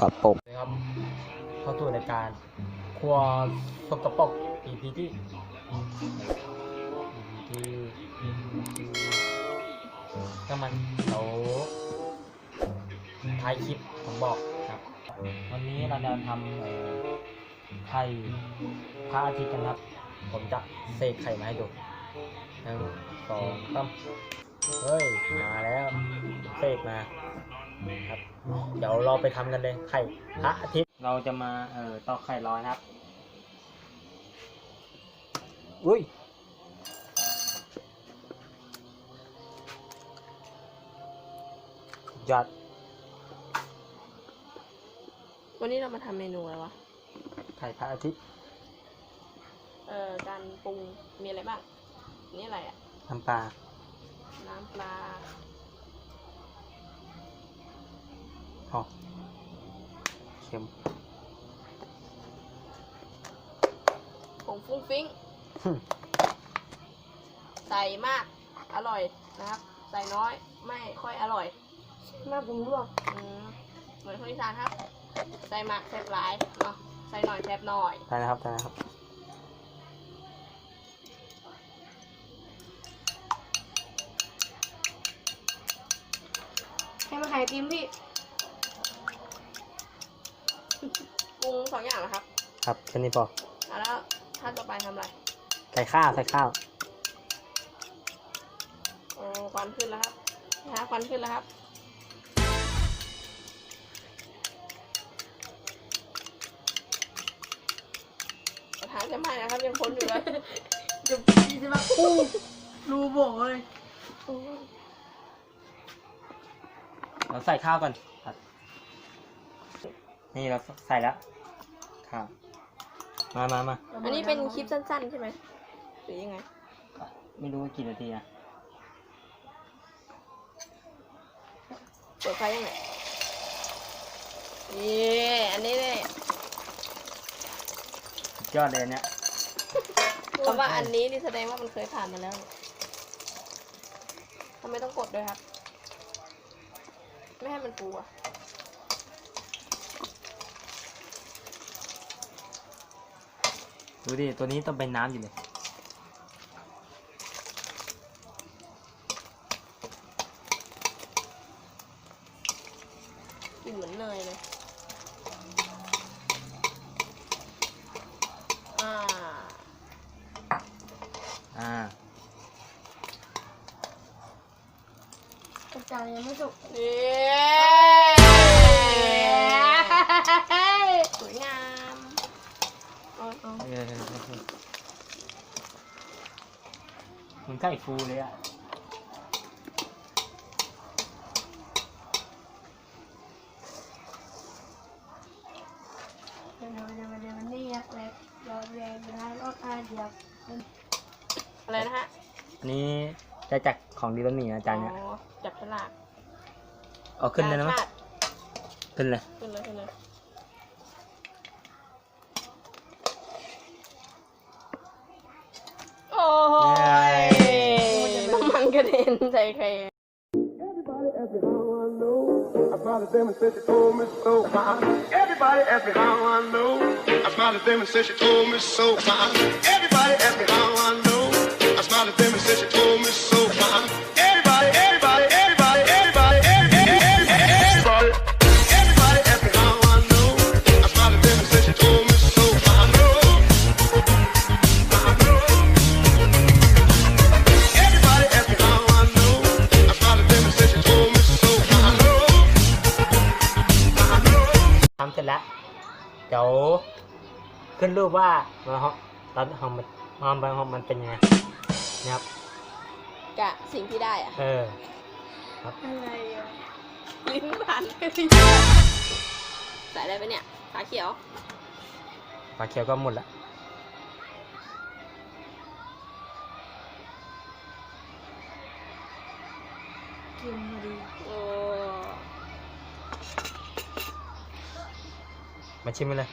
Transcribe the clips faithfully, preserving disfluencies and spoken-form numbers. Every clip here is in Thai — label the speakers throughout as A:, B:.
A: กปรก
B: นะครับเข้าสู่รายการครัวสกปรก อี พี ที่ อี พี ที่ก็มันเขาท้ายคลิปผมบอกครับวันนี้เราจะทำเอ่อไข่พระอาทิตย์กันครับผมจะเสกไข่มาให้ดูหนึ่งสองสามเฮ้ยมาแล้วเสกมาครับเดี๋ยวเราไปทำกันเลยไข่พระอาทิตย์เราจะมาเอ่อตอกไข่ร้อยครับอุ้ยยัด
C: วันนี้เรามาทำเมนูอะไรวะ
B: ไข่พระอาทิตย์
C: เอ่อการปรุงมีอะไรบ้างนี่อะไรอ่ะ
B: น้ำปลา
C: น้ำปลา
B: อ๋อเค็ม
C: ผงฟุ้งฟิ้งใส่มากอร่อยนะครับใส่น้อยไม่ค่อยอร่อยมากผมลวกเหมือนคนอีสานครับใส่มากแซ่บหลายเนาะใส่หน่อยแซ่บหน่อย
B: ใช่นะครับใช่นะครับ
C: ให้มาไข่ติมพี่ปรุงสองอย่างนะครับ
B: ครับแค่นี้พอ
C: แล้วขั้นต่อไปทำอะไร
B: ใส่ข้าวใส่ข้าว
C: โอ้ควันขึ้นแล้วครับนะควันขึ้นแล้วครับกระทะจะไหม้นะครับยังพ้นอยู่เลยจะจะมาอู้รูโบเลย
B: เราใส่ข้าวก่อนครับนี่เราใส่แล้วข้าวมามามา
C: อันนี้เป็นคลิปสั้นๆใช่ไหมหรือยังไง
B: ไม่รู้ว่ากี่นาทีนะ
C: เปิดไฟยังไงนี่อันนี้เนี่ย
B: ยอดเลยเนี่ย
C: คำว่าอันนี้นี่แสดงว่ามันเคยผ่านมาแล้วทำไมต้องกดด้วยครับไม่ให้มันฟูอ่ะ
B: ดูดิตัวนี้ต้องเป็นน้ำอยู่เลย
C: กลิ่นเหมือนเนยเลยอ่า
B: อ่า
C: จานยังไม่สุกนี่สวยงามเอาเอา
B: มันใกล้ฟูเลยอ่ะ
C: เดี๋ยวเดี๋ยวเดี๋ยวมันนี่ยักษ์เล็กยอดแรงนะรสอาเดียวอะไรนะฮะ
B: อันนี้จะจากของดีบะหมี่อาจารย์เนี่ย
C: จับฉลาก
B: เอาขึ้นเลยนะมั้ยขึ้นเลย
C: ขึ้นเลยขึ้นเลยโอ้ยน้ำมันกระเด็นใส่ใคร
D: Everybody ask me how I know. I smiled at them and said she told me so. Everybody ask me how I know. I smiled at them and said she told me so. Everybody ask me how I know. I smiled at them and said she told me so. Everybody, everybody, everybody, everybody, everybody, everybody, everybody ask me how I know. I smiled at them and said she told me so. I know. I know. Everybody ask me how I know. I smiled at them and said she told me so. I know. I know.
B: ทำเสร็จแล้วเดี๋ยวขึ้นรูปว่ามันฮอตอนฮอมมันฮอมมันฮอมมันเป็นยังไงนะครับ
C: กะสิ่งที่ได้อะ
B: เออครับ
C: อะไรอ่ะลิ้นผ่านใส่อะไรไปเนี่ยฝาเขียว
B: ฝาเขียวก็หมดละ
C: กินมาดีโอ้
B: มาชิมกันเลย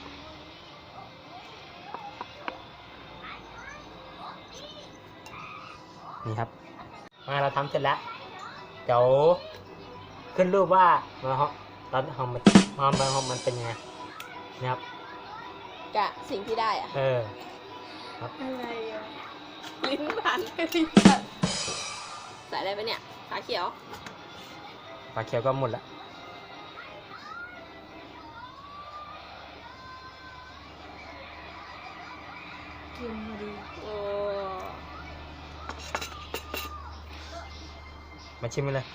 B: นี่ครับมาเราทำเสร็จแล้วเดี๋ยวขึ้นรูปว่ามันฮอตอนฮอมมันความเป็นของมันเป็นยังไงเนี่ยครับ
C: กะสิ่งที่ได้อะ
B: เออ
C: อะไรอะลิ้นผ่านไปลิ้นใส่อะไรไปเนี่ยขาเขียว
B: ปลาเขียวก็หมดละ
C: กินมาดีโอ้
B: มาชิมกันเลย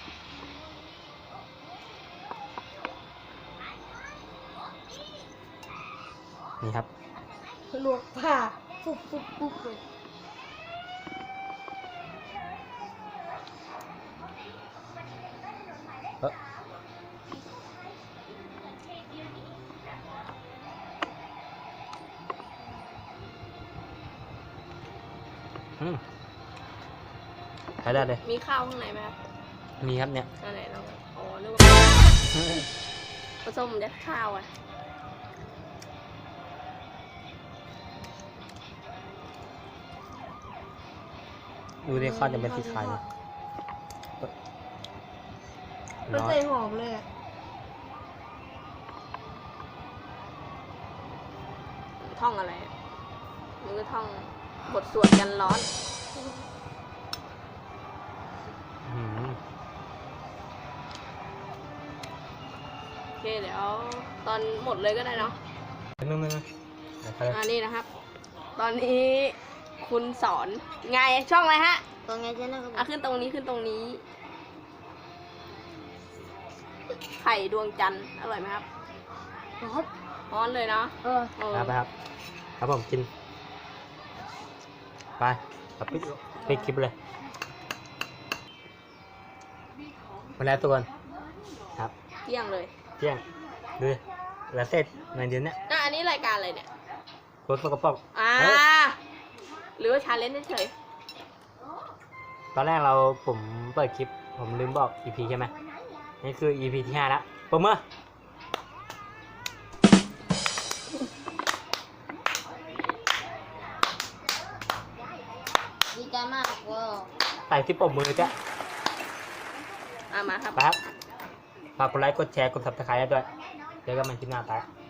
B: นี่ครับ
C: ลวกผ้าปุ๊บปุ๊บปุ๊บเลย
B: เอออืมใช้ได้เลย
C: มีข้าวข้างในไหมครับ
B: มีครับเนี่ย
C: อันไหนลองอ๋อนึกว่าผสมยัดข้าวอ่ะ
B: ดูดิข้าวจะเป็นสีขาวเลย
C: มัน
B: ร้อน
C: ใส่หอมเลยอะท่องอะไรอะมันก็ท่องบทสวดกันร้อน
B: อืม
C: โอเคเดี๋ยวตอนหมดเลยก็ได้เนาะ
B: นึงนึงนึงไปเลย
C: อันนี้นะครับ ตอนนี้คุณสอนไงช่องอะไรฮะ
A: ตรงไงเจ๊นะครับ
C: อ่ะขึ้นตรงนี้ขึ้นตรงนี้ ไข่ดวงจันทร์อร่อยไหมครับ
A: ครับ
C: ร้อนเลยเนาะ
A: เออ
C: เออ
B: ครับไปครับ ครับผมกิน ไปครับปิดปิดคลิปเลยมาแล้วทุกคนครับ
C: เที่ยงเลย
B: เที่ยงดูดิแล้วเสร็จในเดือนเนี้ย
C: อ่ะอันนี้รายการอะไรเนี่ย
B: โคตรสกปรก
C: อ่า
B: เฮ้ย
C: หรือว่าชาเลนจ์เฉย
B: ตอนแรกเราผมเปิดคลิป ผมลืมบอก อี พี ใช่ไหมนี่คือ อี พี ที่ห้าแล้วปมมือ
A: ดีใจมากเว้ย
B: ใส่ที่ปมมือจ้ะ
C: ๆอ่ะมาครับ
B: ไปครับฝากกดไลค์กดแชร์กด ซับสไครบ์ด้วยเจอกันใหม่คลิปหน้าไป